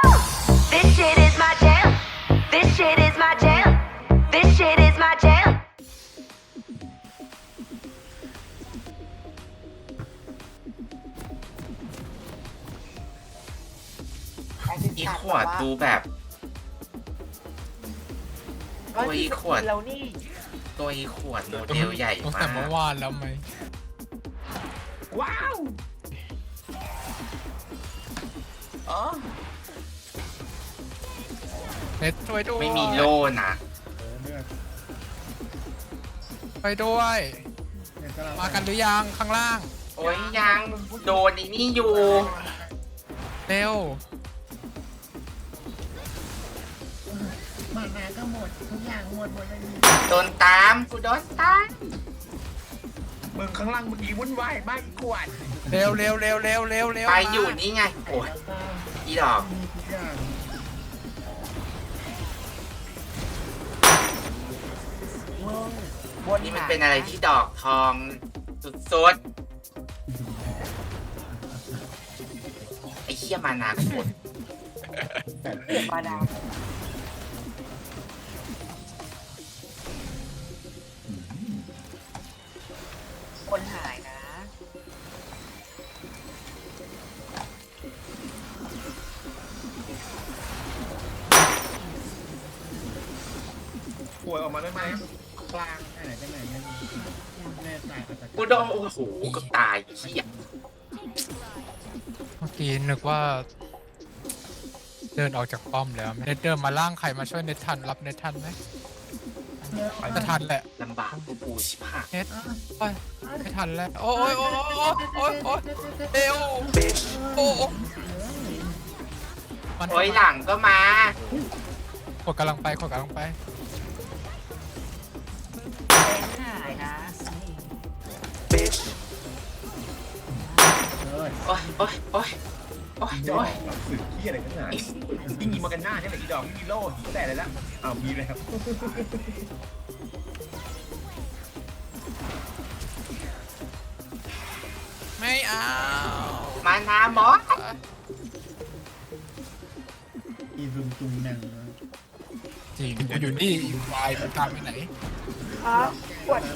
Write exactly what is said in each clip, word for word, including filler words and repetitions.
This shit is my jam. This shit is my jam. This shit is my jam. อีขวดดูแบบตัวอีขวดเรานี่ตัวอีขวดโมเดลใหญ่ตั้งมาแต่เมื่อก วานแล้วไหมว้าวอ๋อเน็ตช่วยด้วยไม่มีโล่นะไปด้วย มากันหรือยังข้างล่างโอ้ยยังโดนไอ้นี่อยู่เร็วมานาก็หมดทุกอย่างหมดหมดเลยโดนตามกูโดนตามมึงข้างล่างเมื่อกี้วุ่นวายมากอีกขวดเร็วเร็วเร็วเร็วเร็วเร็วไปอยู่นี่ไงโอ้ยแล้วก็อีดอกมีทุกอย่างมึงบนนี่มันเป็นอะไรที่ดอกทองสุดๆไอ้เหี้ยมานาหมดแบบเก็บมาดามคนหายนะป่วยออกมาได้ไหมกลางไหนกันไหนกันแน่ใจอาจจะกูโดนโอ้โหก็ตายไอ้เหี้ยเมื่อกี้นึกว่า เดินออกจากป้อมแล้วเน็ตเดินมาล่างใครมาช่วยเน็ตทันรับเน็ตทันไหมจะทันแหละลำบากกูปูชิบหายเน็ตโอ้ยไม่ทันแล้วโอ้ยโอ้ยโอ้ยโอ้ยโอ้ยเร็วโอ้ยมันโอ้ยหลังก็มากดกำลังไปกดกำลังไปหายนะเออโอ้ยโอ้ยโอ้ยโอ้ยดอโอ้กยฝึกที่อะไรกันหนายิ่งยิงมากันหน้าเนี่ยแหละอีดอกมีโล่หีแต่อะไรละอ้าวมีแล้วไม่เอามานาหมออีรุมจุงหนังจริงกูอยู่นี่วายมันตามไปไหนครับขวด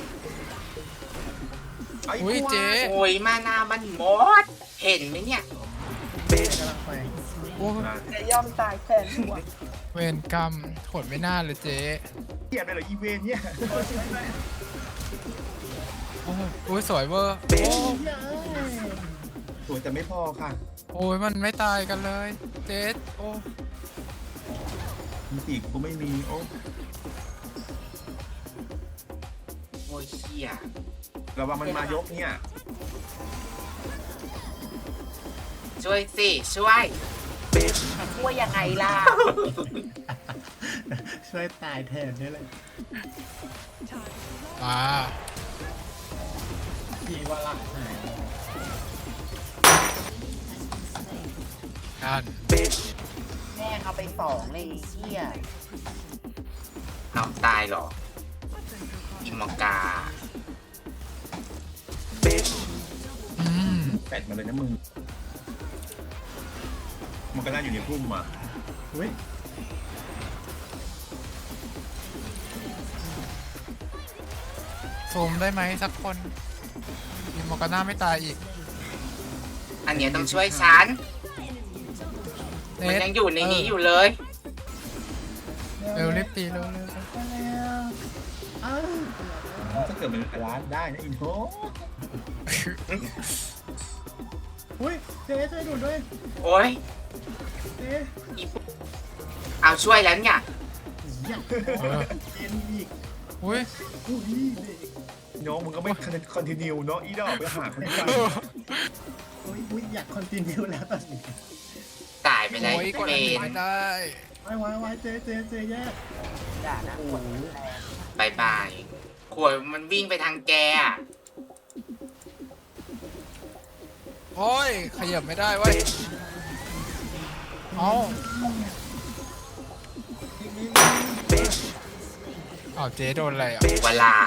อุ้ยเจ๊โอ้ยมานามันหมด เห็นไหมเนี่ยกำลังไปโอ้ยจะยอมตายแทนขวดเวรกรรมโหดไม่น่าเลยเจ๊เทียบเลยเหรออีเวนเนี่ยโอ้ยโอ้ยสวยเวอร์โอ้ยสวยแต่ไม่พอค่ะโอ้ยมันไม่ตายกันเลยเจ๊โอ้มีปีกกูไม่มีโอ้โอ้ยเหี้ยระวังมันมายกเนี่ยช่วยสิช่วยช่วยยังไงล่ะช่วยตายแทนนี่แหละมาพี่ว่าหลักหายกันแม่เอาไปสองเลยเชี่ยเอาตายเหรอ อิมอกาอืมแปดมาเลยนะมึงมันก็น่าอยู่ในพุ่มอ่ะเฮ้ยซูมได้ไหมสักคนมีมอร์กาน่าไม่ตายอีกอันเนี้ยต้องช่วยฉันเน็มันตยังอยู่ในนี้อยู่เลยเร็วรีบตีเร็วเร็วเร็วอ้าวถ้าเกิดมันร้านได้นะอินโทอุ้ยเจ๊ช่วยดูด้วยโอ้ยเจ๊อีเอาช่วยแล้วเนี่ยอยากเย็นอีกอุ้ยอุ้ยเด็กน้องมึงก็ไม่คอนติเนียเนาะอีดอกไปหาคนที่อุ้ยอุ้ยอยากคอนติเนียแล้วตอนนี้ตายไปเลยโอ้ยกดเมอันนี้นไม่ได้ไว้ไว้ไว้เจ๊เจ๊เจ๊แยกด่านะขวดบายบายขวดมันวิ่งไปทางแกอะโอ้ยขยับไม่ได้เว้ยเอาอ้าวเจ๊โดนอะไรอ่ะเวลา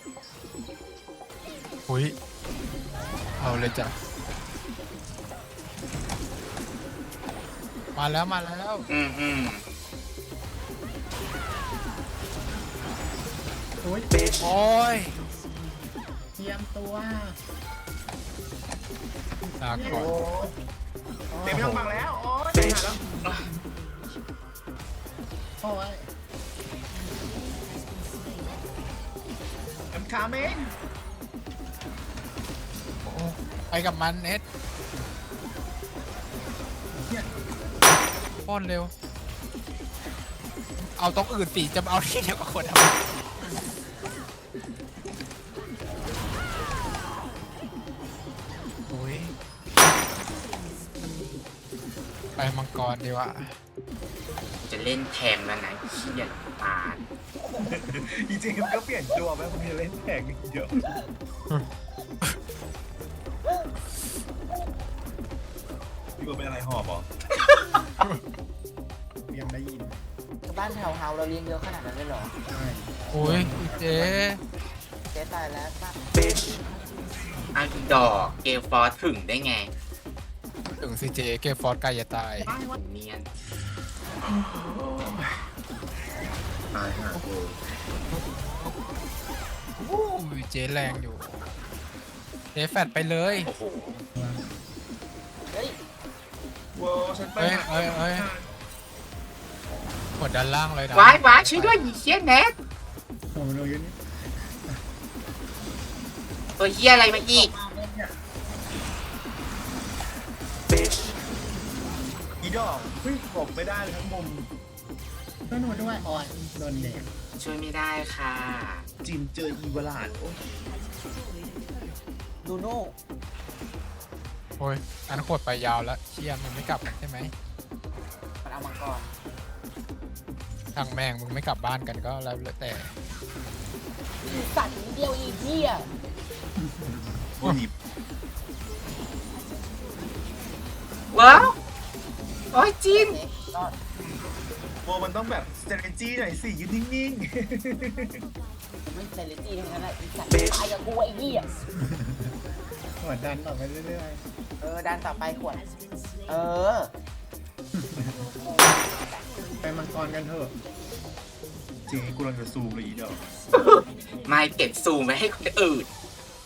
อุ้ยเอาเลยจ้ะมาแล้วมาแล้วอืมอืมโอ้ยโอ้ยเตรียมตัวลาก่อนเต็มไม่ต้องบังแล้วโอ้ยไปหาแล้วโอ้ยเอ็มคาเมนโอ้ไปกับมันเน็ตป้อนเร็ว เอาตรงอื่นสิจะมาเอาที่เดียวกับคนทำไมโอ้ยไปมังกรดีกว่าจะเล่นแทงแล้วนะเชี่ยปาดจริงๆมันก็เปลี่ยนตัวไหมมันมีเล่นแข่งเยอะพี่ว่าเป็นอะไรหอบเหรอเตรียมได้ยินบ้านแถวเฮาเราเลี้ยงเยอะขนาดนั้นเลยเหรอใช่โอ้ยเจ๊เจ๊ตายแล้วป้าเอาอีดอกเกลฟอร์ถึงได้ไงถึงซีเจเกมฟอร์ดใกล้จะตายเนียนตายห่ากูโอ้ยเจ๊แรงอยู่ เจ๊แฟดไปเลยโอ้โหเฮ้ยโว้ฉันไปเอ้ยเอ้ยเอ้ยกดด้านล่างเลยนะวายวายช่วยด้วยอีเชี่ยแนทโอ้โหโดนเยอะนี่ตัวเฮียอะไรมาอีกอีดอกเฮ้ยหลบไม่ได้เลยทั้งมุมต้องหนูด้วยอ่อนโดนเด็กช่วยไม่ได้ค่ะจินเจออีวลาดโอ้ยดูโน่โอ้ยอันโคตรไปยาวแล้วเชียมันไม่กลับใช่ไหมมันเอามังกรทางแม่งมึงไม่กลับบ้านกันก็แล้วแต่สัตว์นิดเดียวอีกเหี้ยโอ้ยว้าวโอ้ยจินเจ๊รอดโบมันต้องแบบ strategy หน่อยสิยืนนิ่งไม่เซเลตี้ทั้งนั้นแหละอีสัตว์ตายกับกูไอ้เหี้ยหัวดันต่อไปเรื่อยเออดันต่อไปขวดเออๆ ไปมังกรกันเถอะๆจริงกูกำลังจะซูมเลยอีดอกไม่เก็บซูมไว้ให้คนอื่น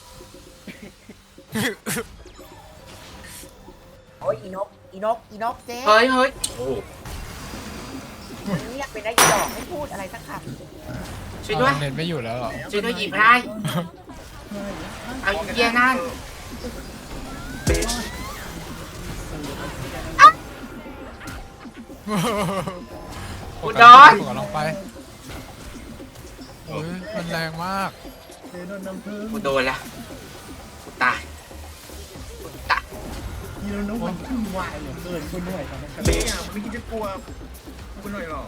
โอ้ยอีนกอีนกอีนกเจ๊เฮ้ยเฮ้ยโอ้โหเงียบไปได้อีดอกไม่พูดอะไรสักคช่วยด้วยเน็ตไม่อยู่แล้วเหรอช่วยด้วยหยิบให้เอาอีเฮียนั่น อุดรกดลงไปโอ้ยมันแรงมากเจโดนน้ำผึ้งกูโดนละกูตายกูตายยีโรนุมันขึ้นวายเหลือเกินคุณหน่วยตอนนั้นเมย์อ่ะมันไม่คิดจะกลัวกูหน่อยหรอ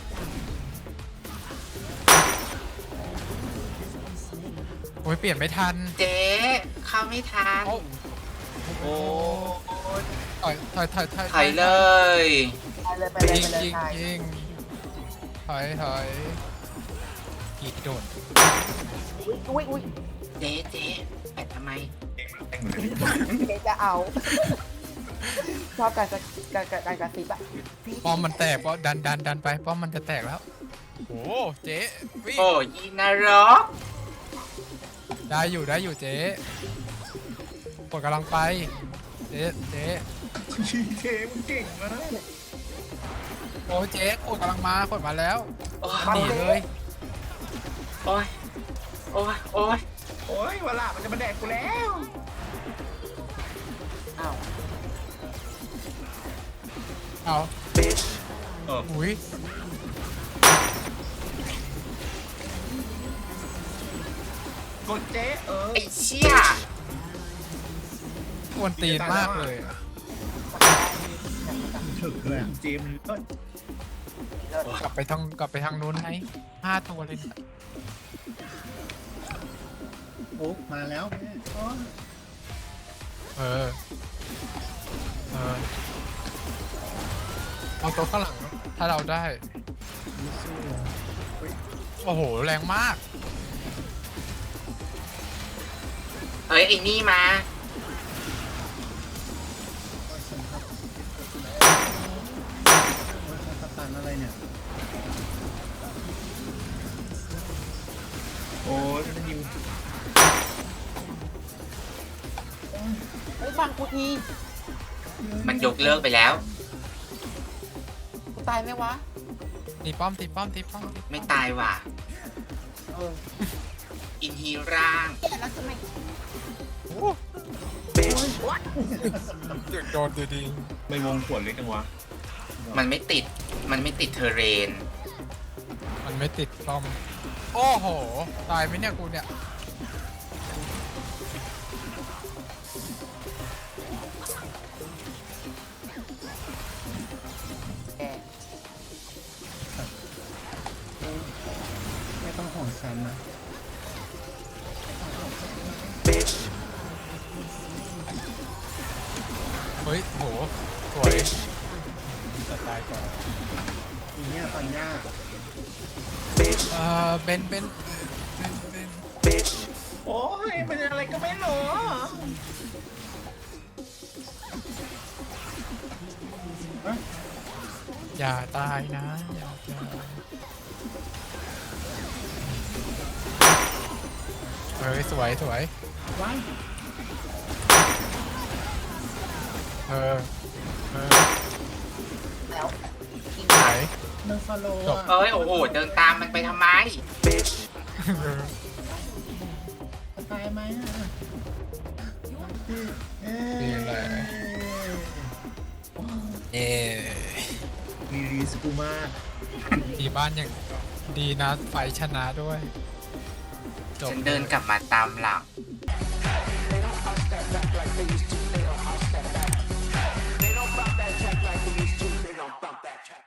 โอ้ยเปลี่ยนไม่ทันเจ๊เข้าไม่ทันโอ้โอ้ยถอยถอยถอยถอยถอยเลยำไปเลยไปเลยยิงไปเลยยิงตายยิงถอยถอยกีดโดดอุ้ยอุ้ยเจ๊เจ๊แปะทำไมแต่งเหมือนกันเจ๊จะเอา ชอบการกระการการการกระซิบอะป้อมมันแตกป้อมดันดันดันไปป้อมมันจะแตกแล้วโอ้เจ๊วิ่งโอ้ยนรกได้อยู่ได้อยู่เจ๊กดกำลังไปเจ๊เจ๊ชีเทมึงเก่งมากโอ้เจ๊กดกำลังมากดมาแล้วโอ้หนียเลยโอ้ยโอ้ยโอ้ยโอ้ยวลามันจะมาแดกกูแล้วอ้าวเอาเอออุ้ยกดเจ๊เออไอ้เชี่ยกวนตีนมากเลยอะถึกเลยอะเจมส์เอ้ยกลับไปทางกลับไปทางนู้นไหมห้าตัวเลยนะโอ้มาแล้วแม่โอ้ยเออเออเอาตัวข้างหลังถ้าเราได้ไม่สู้อะโอ้โหแรงมากเฮ้ยไอ้นี่มาโอ้ยฉันครับทีมันยกเลิกไปแล้วกูตายไหมวะตีป้อมตีป้อมตีป้อมตีป้อไม่ตายว่ะเอออินฮีร่างแล้วทำไมโอ้โดนดีดีไม่วงขวดเล็กจังวะมันไม่ติด มันไม่ติดเทอร์เรนมันไม่ติดป้อม โอ้โห ตายไหมเนี่ยกูเนี่ยแกไม่ต้องห่วงฉันนะเฮ้ยโหสวยจะตายก่อนอีเนี่ยตอนยากเอ่อเบนเบนเบนเบนโอ้ยเป็นอะไรก็ไม่รู้อย่าตายนะอย่าตายเฮ้ยสวยสวยว้ายเออเออแล้วไหนมันฟอลโล่จบอะเอ้ย โอ้โห เดินตามมันไปทำไมเออจะตายไหมอะเอ๊ะดีเลยเอมีรีสกูมากดีบ้านอย่างดีนะไฟชนะด้วยจบฉันเดินกลับมาตามหลัง